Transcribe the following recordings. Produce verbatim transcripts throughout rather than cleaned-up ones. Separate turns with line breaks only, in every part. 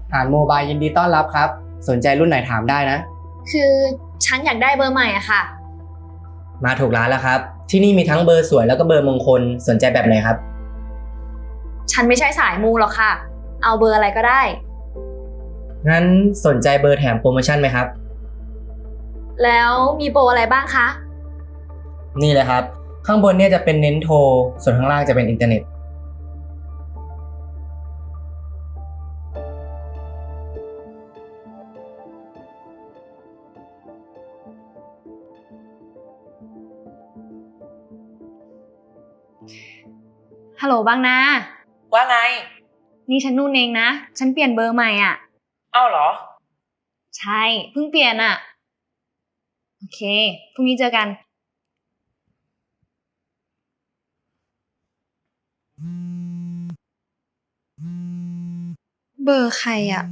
อ่านโมบายยินดีต้อนรับครับสนใจรุ่นไหนถามได้นะ
คือฉันอยากได้เบอร์ใหม่อะค่ะ
มาถูกร้านแล้วครับที่นี่มีทั้งเบอร์สวยแล้วก็เบอร์มงคลสนใจแบบไหนครับ
ฉันไม่ใช่สายมูหรอกค่ะเอาเบอร์อะไรก็ได้
งั้นสนใจเบอร์แถมโปรโมชั่นไหมครับ
แล้วมีโปรอะไรบ้างคะ
นี่เลยครับข้างบนเนี่ยจะเป็นเน้นโทรส่วนข้างล่างจะเป็นอินเทอร์เน็ต
ฮัลโหลบ้างนะ
ว่าไง
นี่ฉันนุ่นเองนะฉันเปลี่ยนเบอร์ใหม่อ่ะ
อ้าวเหรอ
ใช่เพิ่งเปลี่ยนอ่ะโอเคพรุ่งนี้เจอกันเบอร์ใครอ่ะ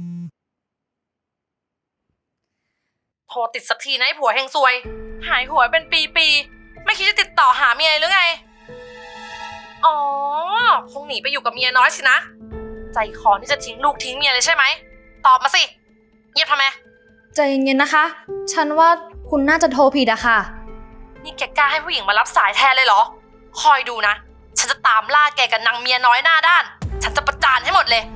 โทรติดสักทีนะไอ้ผัวเฮงซวย หายหัวเป็นปีๆ ไม่คิดจะติดต่อหาเมียหรือไง อ๋อ คงหนีไปอยู่กับเมียน้อยสินะ ใจคอที่จะทิ้งลูกทิ้งเมียเลยใช่ไหม ตอบมาสิ เงียบทำไม
ใจเย็นๆนะคะ ฉันว่าคุณน่าจะโทรผิดอะค่ะ
นี่แกกล้าให้ผู้หญิงมารับสายแทนเลยเหรอ คอยดูนะ ฉันจะตามล่าแกกับนางเมียน้อยหน้าด้าน ฉันจะประจานให้หมดเลย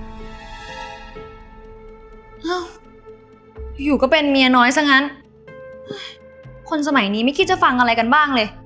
อ้าวอยู่ก็เป็นเมียน้อยซะงั้นคนสมัยนี้ไม่คิดจะฟังอะไรกันบ้างเลย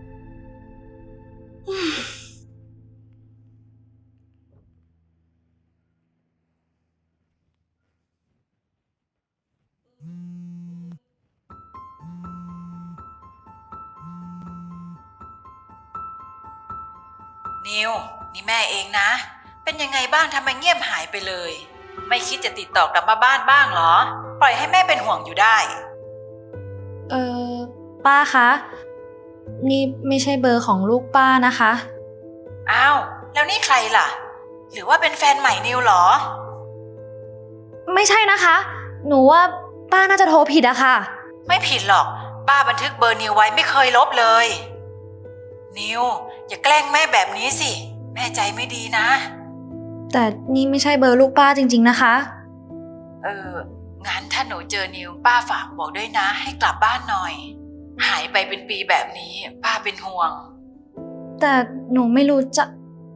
นิวนี่แม่เองนะเป็นยังไงบ้างทำไมเงียบหายไปเลยไม่คิดจะติดต่อกลับมาบ้านบ้างเหรอปล่อยให้แม่เป็นห่วงอยู่ได้
เออป้าคะนี่ไม่ใช่เบอร์ของลูกป้านะคะ
อ้าวแล้วนี่ใครล่ะหรือว่าเป็นแฟนใหม่นิวเหรอ
ไม่ใช่นะคะ หนูว่าป้าน่าจะโทรผิดอะค่ะ
ไม่ผิดหรอกป้าบันทึกเบอร์นิวไว้ไม่เคยลบเลยนิวอย่าแกล้งแม่แบบนี้สิแม่ใจไม่ดีนะ
แต่นี่ไม่ใช่เบอร์ลูกป้าจริงๆนะคะ
เอองั้นถ้าหนูเจอนิวป้าฝากบอกด้วยนะให้กลับบ้านหน่อยหายไปเป็นปีแบบนี้ป้าเป็นห่วง
แต่หนูไม่รู้จะ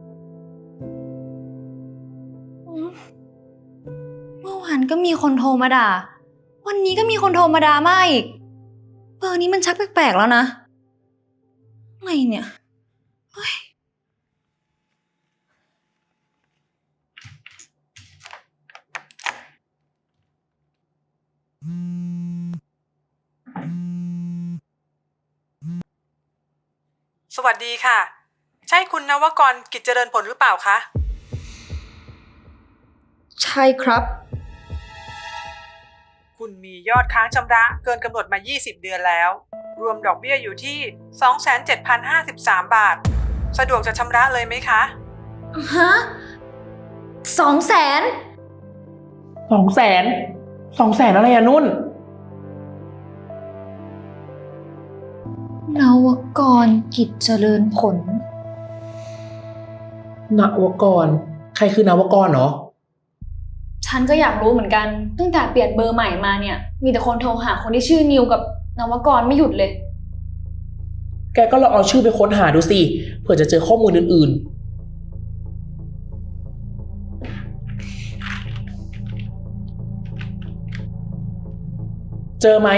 เมื่อวานก็มีคนโทรมาด่าวันนี้ก็มีคนโทรมาด่ามาอีกเบอร์นี้มันชักแปลกๆแล้วนะอะไรเนี่ยเฮ้ย
สวัสดีค่ะใช่คุณนวกรกิจเจริญผลหรือเปล่าคะ
ใช่ครับ
คุณมียอดค้างชำระเกินกำหนดมายี่สิบเดือนแล้วรวมดอกเบี้ยอยู่ที่ สองแสนเจ็ดพันห้าสิบสาม บาทสะดวกจะชำระเลยไหมคะ
ฮะสองแสน
สองแสนสองแสนอะไรอะนุ่น
นวกรกิจเจริญผล
นวกรใครคือนวกรเนาะ
ฉันก็อยากรู้เหมือนกันตั้งแต่เปลี่ยนเบอร์ใหม่มาเนี่ยมีแต่คนโทรหาคนที่ชื่อนิวกับนวกรไม่หยุดเลย
แกก็ลองเอาชื่อไปค้นหาดูสิเผื่อจะเจอข้อมูลอื่นๆเจอไหม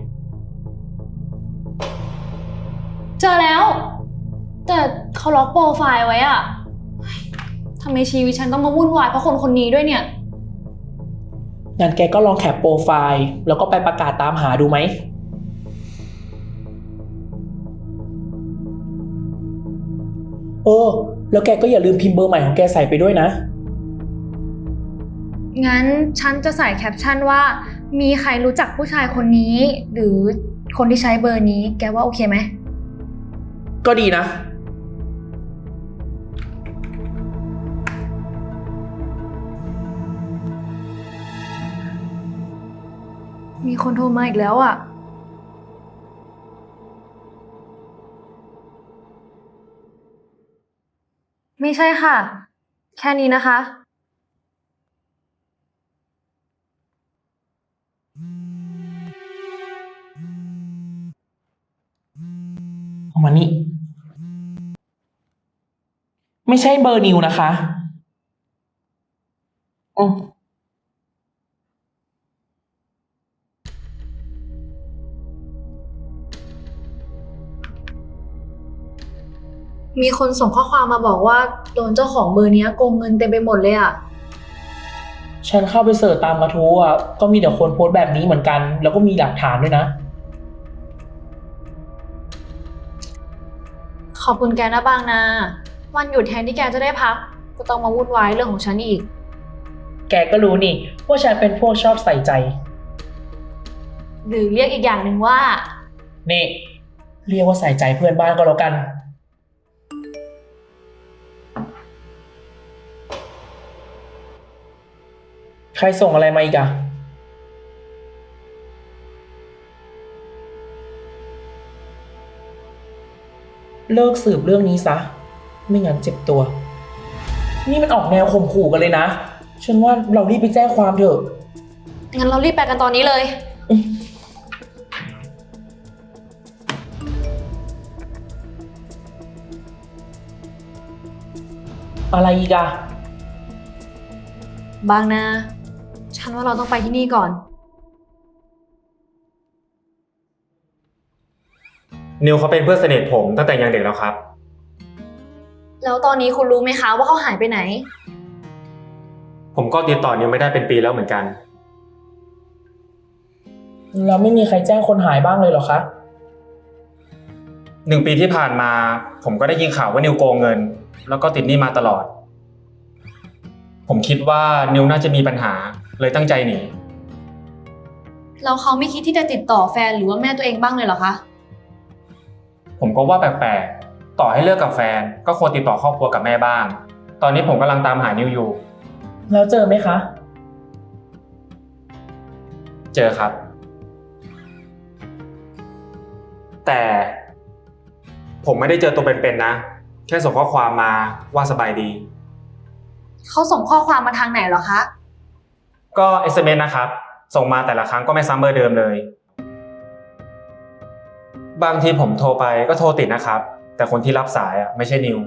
เจอแล้วแต่เขาล็อกโปรไฟล์ไว้อะทำไมชีวิตฉันต้องมาวุ่นวายเพราะคนคนนี้ด้วยเนี่ย
งั้นแกก็ลองแคปโปรไฟล์แล้วก็ไปประกาศตามหาดูไหมเออแล้วแกก็อย่าลืมพิมพ์เบอร์ใหม่ของแกใส่ไปด้วยนะ
งั้นฉันจะใส่แคปชั่นว่ามีใครรู้จักผู้ชายคนนี้หรือคนที่ใช้เบอร์นี้แกว่าโอเคไหม
ก็ดีนะ
มีคนโทรมาอีกแล้วอ่ะไม่ใช่ค่ะแค่นี้นะคะ
มานี่ ไม่ใช่เบอร์นิวนะคะอืม
มีคนส่งข้อความมาบอกว่าโดนเจ้าของเบอร์เนี้ยโกงเงินเต็มไปหมดเลยอะ
ฉันเข้าไปเสิร์ชตามกระทู้อ่ะ ก็มีแต่คนโพสต์แบบนี้เหมือนกัน แล้วก็มีหลักฐานด้วยนะ
ขอบคุณแกนะบางนา วันหยุดแทนที่แกจะได้พัก ก็ต้องมาวุ่นวายเรื่องของฉันอีก
แกก็รู้นี่ว่าฉันเป็นพวกชอบใส่ใจ
หรือเรียกอีกอย่างหนึ่งว่า
นี่ เรียกว่าใส่ใจเพื่อนบ้านก็แล้วกัน ใครส่งอะไรมาอีกอะเลิกสืบเรื่องนี้ซะ ไม่งั้นเจ็บตัว นี่มันออกแนวข่มขู่กันเลยนะ ฉันว่าเรารีบไปแจ้งความเถอะ
งั้นเรารีบไปกันตอนนี้เลย
อะไรอีกอะ
บางนา ฉันว่าเราต้องไปที่นี่ก่อน
นิวเขาเป็นเพื่อนสนิทผมตั้งแต่ยังเด็กแล้วครับ
แล้วตอนนี้คุณรู้ไหมคะว่าเขาหายไปไหน
ผมก็ติดต่อนิวไม่ได้เป็นปีแล้วเหมือนกัน
แล้วไม่มีใครแจ้งคนหายบ้างเลยเหรอคะ
หนึ่งปีที่ผ่านมาผมก็ได้ยินข่าวว่านิวโกงเงิน แล้วก็ติดหนี้มาตลอด ผมคิดว่านิวน่าจะมีปัญหาเลยตั้งใจหนี
แล้วเขาไม่คิดที่จะติดต่อแฟนหรือว่าแม่ตัวเองบ้างเลยเหรอคะ
ผมก็ว่าแปลกๆ ต่อให้เลิกกับแฟนก็ควรติดต่อครอบครัวกับแม่บ้าง ตอนนี้ผมกำลังตามหานิวอยู่
แล้วเจอไหมคะ
เจอครับ แต่ผมไม่ได้เจอตัวเป็นๆนะ แค่ส่งข้อความมาว่าสบายดี
เขาส่งข้อความมาทางไหนเหรอคะ
ก็ เอส เอ็ม เอส นะครับ ส่งมาแต่ละครั้งก็ไม่ซ้ำเบอร์เดิมเลย บางทีผมโทรไปก็โทรติดนะครับ แต่คนที่รับสายอ่ะไม่ใช่นิว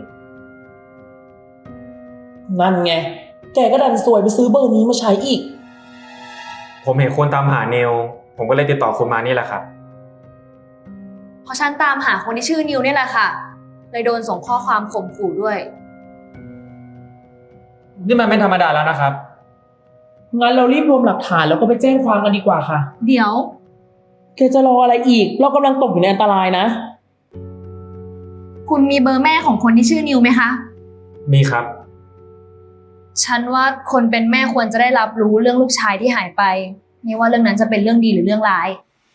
นั่นไง แกก็ดันสวยไปซื้อเบอร์นี้มาใช้อีก
ผมเห็นคนตามหานิว ผมก็เลยติดต่อคุณมานี่แหละครับ
เพราะฉันตามหาคนที่ชื่อนิวเนี่ยแหละค่ะ เลยโดนส่งข้อความข่มขู่ด้วย
นี่มันไม่ธรรมดาแล้วนะครับ
งั้นเรารีบรวมหลักฐานแล้วก็ไปแจ้งความกันดีกว่าค่ะ
เดี๋ยว
แกจะรออะไรอีก เรากำลังตกอยู่ในอันตรายนะ
คุณมีเบอร์แม่ของคนที่ชื่อนิวไหมคะ
มีครับ
ฉันว่าคนเป็นแม่ควรจะได้รับรู้เรื่องลูกชายที่หายไป ไม่ว่าเรื่องนั้นจะเป็นเรื่องดีหรือเรื่องร้าย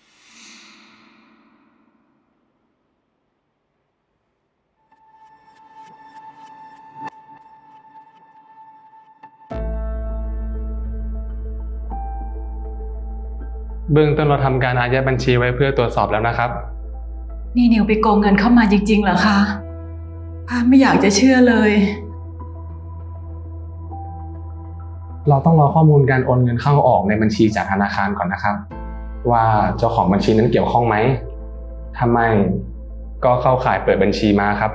เบื้องต้นเราทำการอายัดบัญชีไว้เพื่อตรวจสอบแล้วนะครับ
นี่นิวไปโกงเงินเข้ามาจริงๆเหรอคะป้าไม่อยากจะเชื่อเลย
เราต้องรอข้อมูลการโอนเงินเข้าออกในบัญชีจากธนาคารก่อนนะครับ ว่าเจ้าของบัญชีนั้นเกี่ยวข้องไหมถ้าไม่ก็เข้าข่ายเปิดบัญชีม้าครับ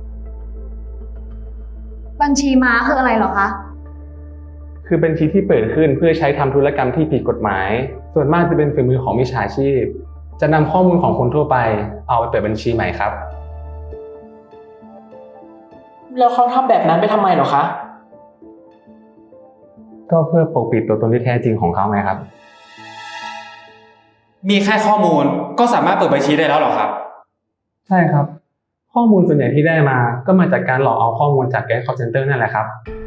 บัญชีม้าคืออะไรเหรอคะ
คือบัญชีที่เปิดขึ้นเพื่อใช้ทำธุรกรรมที่ผิดกฎหมาย ส่วนมากจะเป็นฝีมือของมิจฉาชีพ จะนำข้อมูลของคนทั่วไปเอาไปเปิดบัญชีใหม่ครับ
แล้วเขาทำแบบนั้นไปทำไมเหรอคะ
ก็เพื่อปกปิดตัวตนที่แท้จริงของเขาไงครับ
มีแค่ข้อมูลก็สามารถเปิดบัญชีได้แล้วเหรอครับ
ใช่ครับ ข้อมูลส่วนใหญ่ที่ได้มาก็มาจากการหลอกเอาข้อมูลจากแก๊ง call center นั่นแหละครับ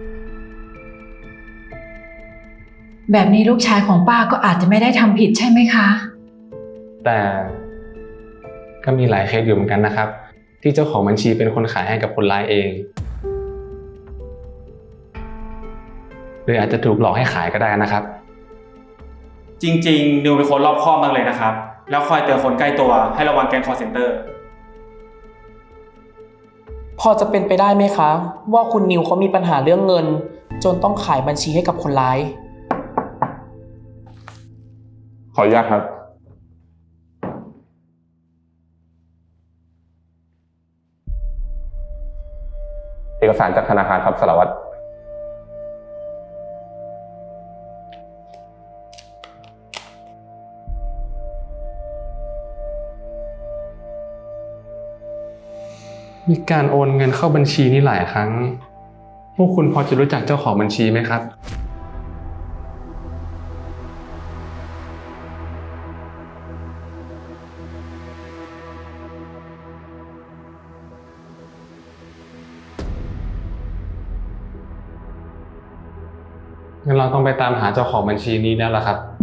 แบบนี้ลูกชายของป้าก็อาจจะไม่ได้ทำผิดใช่ไหมคะ
แต่ก็มีหลายเคสอยู่เหมือนกันนะครับ ที่เจ้าของบัญชีเป็นคนขายให้กับคนร้ายเองหรืออาจจะถูกหลอกให้ขายก็ได้นะครับ
จริงๆนิวเป็นคนรอบคอบมากเลยนะครับ แล้วคอยเตือนคนใกล้ตัวให้ระวังแก๊ง call center
พอจะเป็นไปได้ไหมคะ ว่าคุณนิวเขามีปัญหาเรื่องเงิน จนต้องขายบัญชีให้กับคนร้าย
ขออนุญาตครับอกสารจากธนาคารครับสารวัตร มีการโอนเงินเข้าบัญชีนี้หลายครั้ง พวกคุณพอจะรู้จักเจ้าของบัญชีไหมครับ งั้นเราต้องไปตามหาเจ้าของบัญชีนี้แล้วล่ะครับ